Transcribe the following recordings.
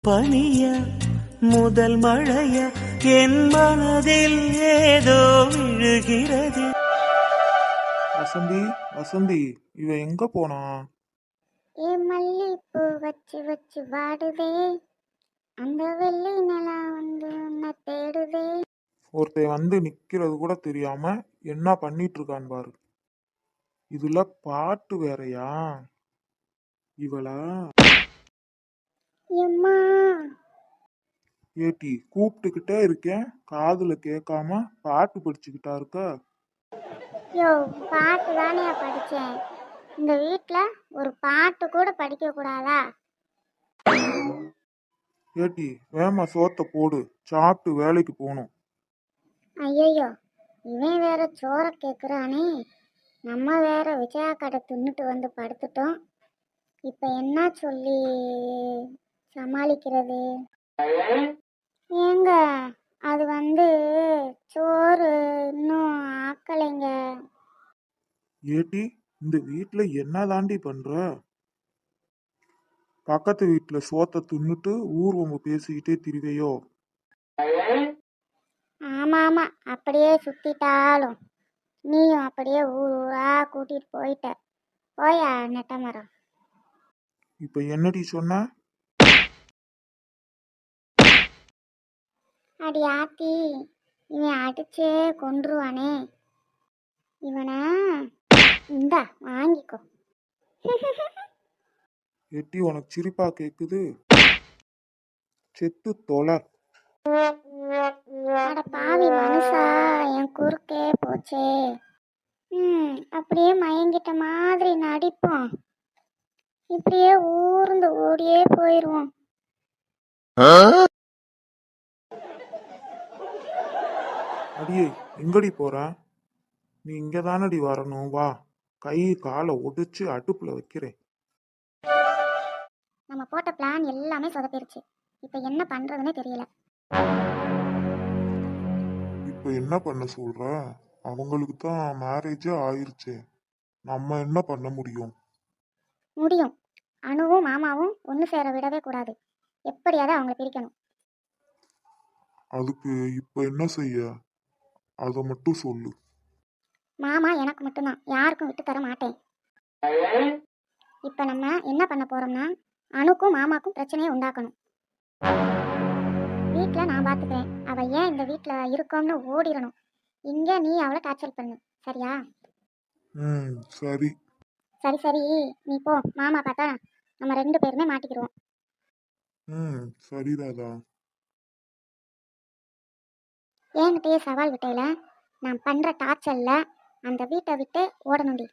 பனிய முதல் மழைய என் மனதில் ஏதோ விழுகிறது. வசந்தி வசந்தி, இவ எங்க போனா? மல்லிப்பூ வச்சு வச்சு வாடுதே, அந்த வெள்ளி நிலா வந்து உன்னை தேடுதே. ஒருத்தன் வந்து நிக்கிறது கூட தெரியாம என்ன பண்ணிட்டு இருக்கான் பாரு. இதுல பாட்டு வேறயா? இவளா? எம்மா, ஏட்டி கூப்பிட்டுக்கிட்டே இருக்கேன், காதுல கேட்காம பாட்டு படிச்சுக்கிட்டா இருக்க. யோ பாட்டு தானே படித்தேன். இந்த வீட்டில் ஒரு பாட்டு கூட படிக்க கூடாதா? ஏட்டி வேமா சோத்த போடு, சாப்பிட்டு வேலைக்கு போகணும். ஐயையோ, இவன் வேற சோற கேட்குறானே. நம்ம வேற விஜயா கடை தின்னுட்டு வந்து படுத்துட்டோம். இப்போ என்ன சொல்லி சமாளிக்கிறது? ஏங்க, அது வந்து சோறு இன்னும் ஆக்கலைங்க. ஏட்டி இந்த வீட்டுல என்ன தாண்டி பண்ற? பக்கத்து வீட்டுல சோத்த தின்னுட்டு ஊர்வம்பு பேசிக்கிட்டே திரிவையோ? ஆமாம் ஆமாம், அப்படியே சுற்றிட்டாலும் நீயும் அப்படியே ஊர் ஊரா கூட்டிகிட்டு போயிட்ட. போயா நெட்ட மரம். இப்ப என்னடி சொன்ன? அடி ஆத்தி, இவன் அடிச்சே கொன்றுவானே இவனை. இந்தா வாங்கிக்கோ. எட்டி உனக்கு சிரிப்பா கேக்குது? செத்து தொலை. அட பாவி மனுஷா, என் குறுக்கே போச்சே. அப்படியே மயங்கிட்ட மாதிரி நடிப்போம், இப்படியே ஊர்ந்து ஓடியே போயிடுவோம். அடியே எங்கடி போற? நீ இங்க தானடி வரணும், வா. கை காலை ஒடிச்சு அடுப்புல வைக்கிறேன். நம்ம போட்ட பிளான் எல்லாமே சொதப்பிருச்சு. இப்போ என்ன பண்றதுன்னே தெரியல. இப்ப என்ன பண்ண சொல்ற? அவங்களுக்கு தான் மேரேஜே ஆயிருச்சே, நம்ம என்ன பண்ண முடியும்? முடியும். அணுவும் மாமாவும் ஒன்று சேர விடவே கூடாது. எப்படியாவது அவங்களை பிரிக்கணும். அதுக்கு இப்ப என்ன செய்ய? அதை மட்டும் சொல்லு. மாமா எனக்கு மட்டும்தான், யாருக்கும் விட்டு தர மாட்டேன். இப்போ நம்ம என்ன பண்ண போறோம்னா, அணுக்கும் மாமாக்கும் பிரச்சனையை உண்டாக்கணும். வீட்டில் நான் பார்த்துக்கிறேன், அவள் ஏன் இந்த வீட்டில் இருக்கோம்னு ஓடிடணும். இங்கே நீ அவளை டார்ச்சர் பண்ணு, சரியா? சரி. சரி சரி, நீ போ. மாமா பார்த்தா நம்ம 2 பேருமே மாட்டிக்கிடுவோம். சரி ராதா. என்கிட்டயே சவால் விட்டையில நான் பண்ணுற டார்ச்சரில் அந்த வீட்டை விட்டு ஓடணுண்டி.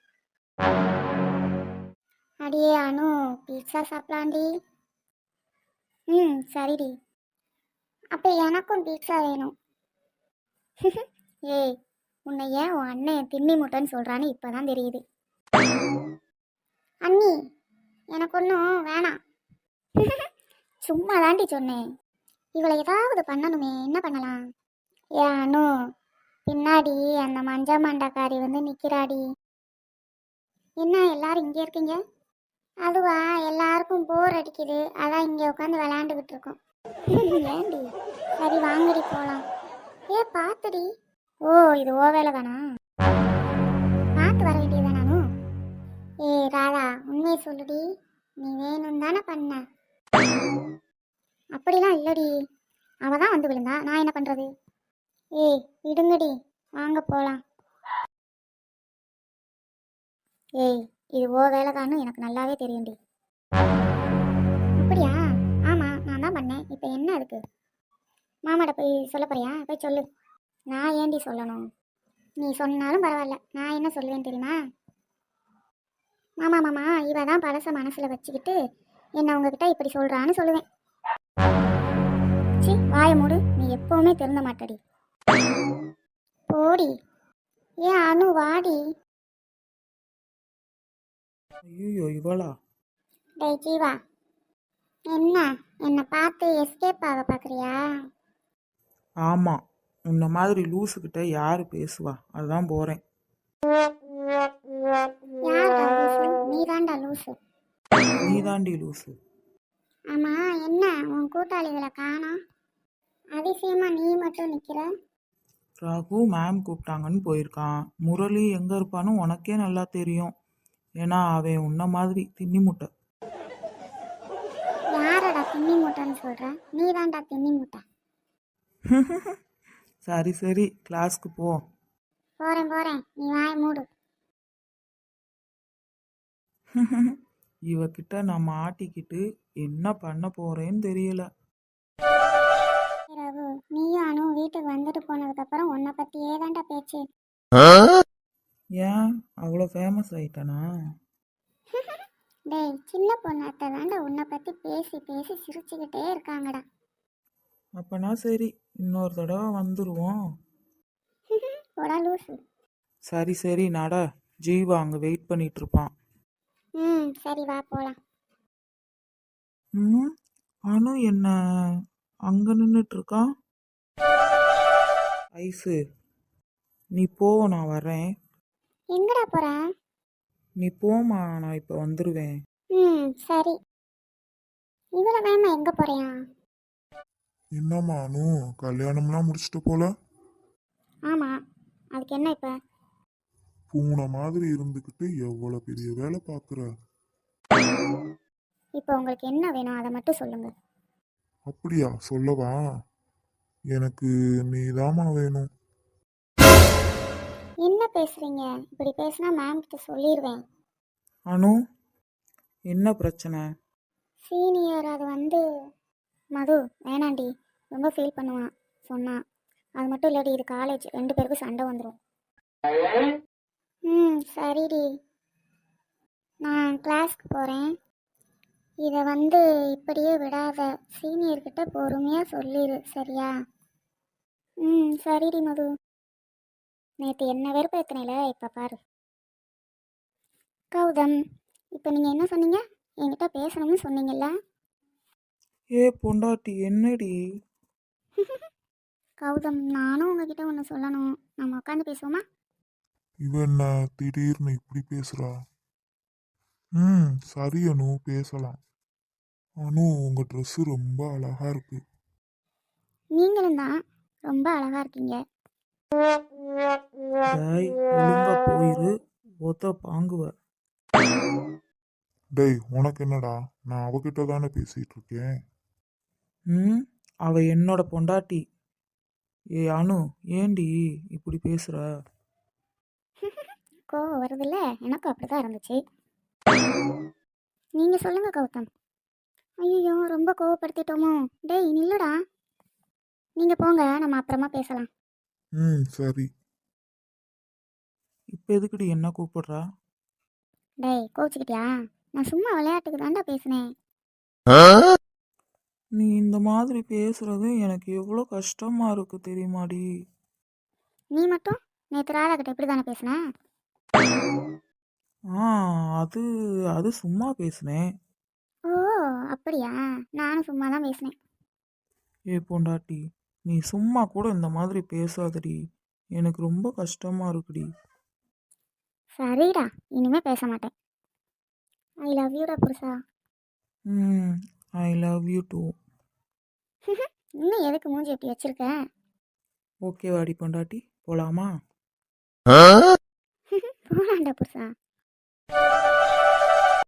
அடியே அனு, பீட்சா சாப்பிடலாண்டி. சரிடி. அப்போ எனக்கும் பீட்சா வேணும். ஏய், உன்னை ஏன் உன் அண்ணன் திண்ணி முட்டைன்னு சொல்கிறான்னு இப்போ தான் தெரியுது. அண்ணி, எனக்கு ஒன்றும் வேணாம். சும்மா தாண்டி சொன்னேன். இவளை ஏதாவது பண்ணணுமே, என்ன பண்ணலாம்? ஏன் அனு, பின்னாடி அந்த மஞ்ச மண்டக்காரி வந்து நிற்கிறாடி. என்ன எல்லாரும் இங்கே இருக்கீங்க? அதுவா, எல்லாருக்கும் போர் அடிக்குது, அதான் இங்கே உட்காந்து விளையாண்டுக்கிட்டு இருக்கோம். ஏண்டி? சரி வாங்கடி போகலாம். பார்த்துடி. ஓ, இது ஓ வேலை தானா? பார்த்து வர வேண்டியதா நானும். ராதா, உண்மையை சொல்லுடி, நீ வேணும் தானே பண்ண? அப்படிலாம் இல்லடி, அவ தான் வந்து விழுந்தா, நான் என்ன பண்ணுறது? விடுங்கடி, வாங்க போகலாம். இது ஓ வேலைதான்னு எனக்கு நல்லாவே தெரியும்டி. அப்படியா? ஆமாம், நான் தான் பண்ணேன். இப்போ என்ன அதுக்கு? மாமாட்ட போய் சொல்ல போறியா? போய் சொல்லு. நான் ஏண்டி சொல்லணும்? நீ சொன்னாலும் பரவாயில்ல, நான் என்ன சொல்லுவேன் தெரியுமா? மாமா மாமா, இவ தான் பழச மனசில் வச்சுக்கிட்டு என்ன உங்ககிட்ட இப்படி சொல்கிறான்னு சொல்லுவேன். சி, வாய மூடு, நீ எப்போவுமே திருந்த மாட்டடி. போடி. ஏன் அனு, வாடி. ஐயோ இவளா? டேய் ஜீவா, என்னை பார்த்து எஸ்கேப் ஆக பார்க்குறியா? ஆமா, உன்ன மாதிரி லூசுக்கிட்ட யாரு பேசுவா? அதுதான் போறேன். யார்டா லூசு? நீ தான்டா லூசு. நீ தாண்டி லூசு. ஆமா, என்ன உன் கூட்டாளிகளை காணோம்? அதிசயமா நீ மட்டும் நிக்கிற. ரகு மேம் கூப்பிட்டாங்கன்னு போயிருக்கான். முரளி எங்கே இருப்பான்னு உனக்கே நல்லா தெரியும். ஏன்னா அவன் உன்ன மாதிரி தின்னி முட்டை. யாரடா தின்னி மூட்டைன்னு சொல்ற? நீ தான்டா தின்னி மூட்டை. சரி சரி, கிளாஸ்க்கு போ. போறேன் போறேன், நீ வாய மூடு. இவகிட்ட நான் மாட்டிக்கிட்டு என்ன பண்ண போறேன்னு தெரியல. ரகு, நீயும் அனு வீட்டுக்கு வந்துட்டு போனதுக்கு அப்புறம் உன்னை பத்தியே தான்டா பேச்சு. ஏன் அவ்வளோ ஃபேமஸ் ஆயிட்டனா? டேய், சின்ன பொண்ணாட்ட தாண்டா உன்னை பத்தி பேசி பேசி சிரிச்சுக்கிட்டே இருக்காங்கடா. அப்பனா சரி, இன்னொரு தடவை வந்துருவோம். போடா லூசு. சரி சரி நட, ஜீவா அங்கே வெயிட் பண்ணிட்டு இருப்பான். சரி வா போலாம். ம், அனு என்ன அங்கே நின்றுட்டு இருக்கான். ஐசு, நீ போ, நான் வரேன். எங்கடா போற? நீ போமா, நான் இப்போ வந்துடுவேன். சரி. இவ்வளவு வேகமா எங்க போறியா? என்னம்மா அனு, கல்யாணம்லாம் முடிச்சிட்டு போல? ஆமா, அதுக்கு என்ன இப்ப? பூனை மாதிரி இருந்துக்கிட்டு எவ்வளவு பெரிய வேலை பார்க்குற. இப்போ உங்களுக்கு என்ன வேணும் அதை மட்டும் சொல்லுங்க. அப்படியா, சொல்லவா? எனக்கு நீதாம்மா வேணும். என்ன பேசுறீங்க? இப்படி பேசினா மேம் கிட்ட சொல்லிடுவேன். அனு, என்ன பிரச்சனை? சீனியர் அது வந்து மது வேணாண்டி, ரொம்ப ஃபீல் பண்ணுவான் சொன்னான். அது மட்டும் இல்லடி, இது காலேஜ், 2 பேருக்கும் சண்டை வந்துடும். சரிடி, நான் கிளாஸ்க்கு போகிறேன். இதை வந்து இப்படியே விடாத, சீனியர்கிட்ட பொறுமையாக சொல்லிடு, சரியா? சரிடி மது. நேற்று என்ன வெறுப்பேற்றினில, இப்போ பாரு. கௌதம், இப்போ நீங்கள் என்ன சொன்னீங்க? என்கிட்ட பேசணும்னு சொன்னீங்கல்ல? ஏ பொண்டாட்டி, என்னடி? கௌதம், நானும் உங்ககிட்ட ஒன்று சொல்லணும். நம்ம உட்காந்து பேசுவோமா? இவ என்ன திடீர்னு இப்படி பேசுறா? சரி அனு, பேசலாம். அனு, உங்க ட்ரெஸ் ரொம்ப அழகா இருக்கு. நீங்களும் தான் ரொம்ப அழகா இருக்கீங்க. டேய், ஒழுங்கா போயிரு, ஒத்த பாங்குவ. டேய், உனக்கு என்னடா? நான் அவகிட்ட தானே பேசிட்டு இருக்கேன். அவ என்னோட பொண்டாட்டி. ஏ அனு, ஏண்டி இப்படி பேசுற? கோவம் வருதுல்ல, எனக்கும் அப்படிதான் இருந்துச்சு. நீங்க சொல்லுங்க கௌதம். ஐயோ, ரொம்ப கோவப்படுத்திட்டோமோ? டேய் நில்லுடா. நீங்க போங்க, நம்ம அப்புறமா பேசலாம். சரி. இப்போ எதுக்குடி என்ன கூப்பிடுறா? டேய், கோச்சிக்கிட்டியா? நான் சும்மா விளையாட்டுக்கு தாண்டா பேசினேன். நீ இந்த மாதிரி பேசுறது எனக்கு எவ்வளோ கஷ்டமா இருக்கு தெரியுமாடி? நீ மட்டும் நேற்று ராதாகிட்ட இப்படி தானே பேசின? அது அது சும்மா பேசுனேன். ஓ அப்படியா? நானும் சும்மா தான் பேசினேன். ஏ பொண்டாட்டி, நீ சும்மா கூட இந்த மாதிரி பேசாதடி, எனக்கு ரொம்ப கஷ்டமா இருக்குடி. சரிடா, இனிமே பேச மாட்டேன். ஐ லவ் யூடா புருஷா. I love you too. இன்னும் எதுக்கு மூஞ்சி எப்படி வச்சிருக்க? ஓகே வாடி பொண்டாட்டி, போலாமா? போலாண்டா புருஷா.